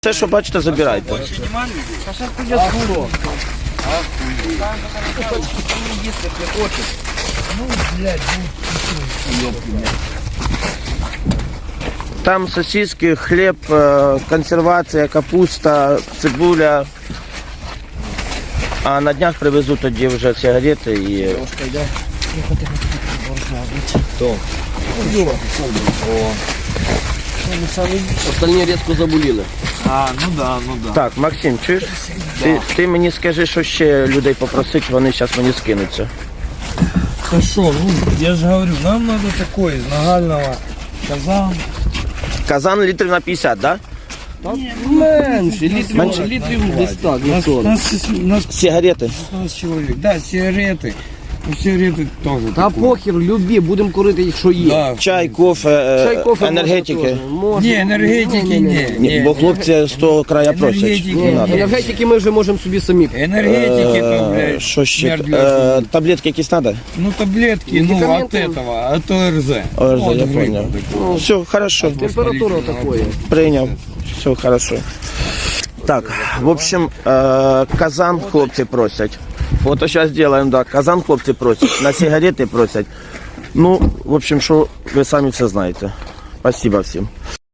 Все, що бачите, забирайте. Там сосиски, хліб, консервація, капуста, цибуля. А на днях привезуть тоді вже сигарети і... Остальні різко заболіли. Ну да. Так, Максим, чуєш? Ти мені скажи, що ще людей попросить, вони зараз мені скинуться. Хорошо, ну я же говорю, нам надо такой из нагального казан. Казан літрів на 50, так? Менше, літрів десь так, на 40. Нас Сигарети. 15 человек. Да, сигареты. Ну, сигареты тоже. Та похер, любі, будемо курити, якщо є. Да. Чай, кофе, Чай, кофе, енергетики. Не, энергетики не. Ні, бо хлопці з того краю просять. Енергетики. Не надо. Енергетики ми вже можемо собі самі. Энергетики то, блядь. Що ще? смерть для- Таблетки якісь треба? Ну, таблетки, ну, от Медикаменты. этого, от ОРЗ. ОРЗ, От я гриппа понял. такого. Все, хорошо. Температура такої. Прийняв. Все, хорошо. Так, в общем, казан хлопці просять. Фото зараз зробимо, да. Казан хлопці просять, на сигарети просять. Ну, в общем, що ви самі все знаєте. Спасибо всім.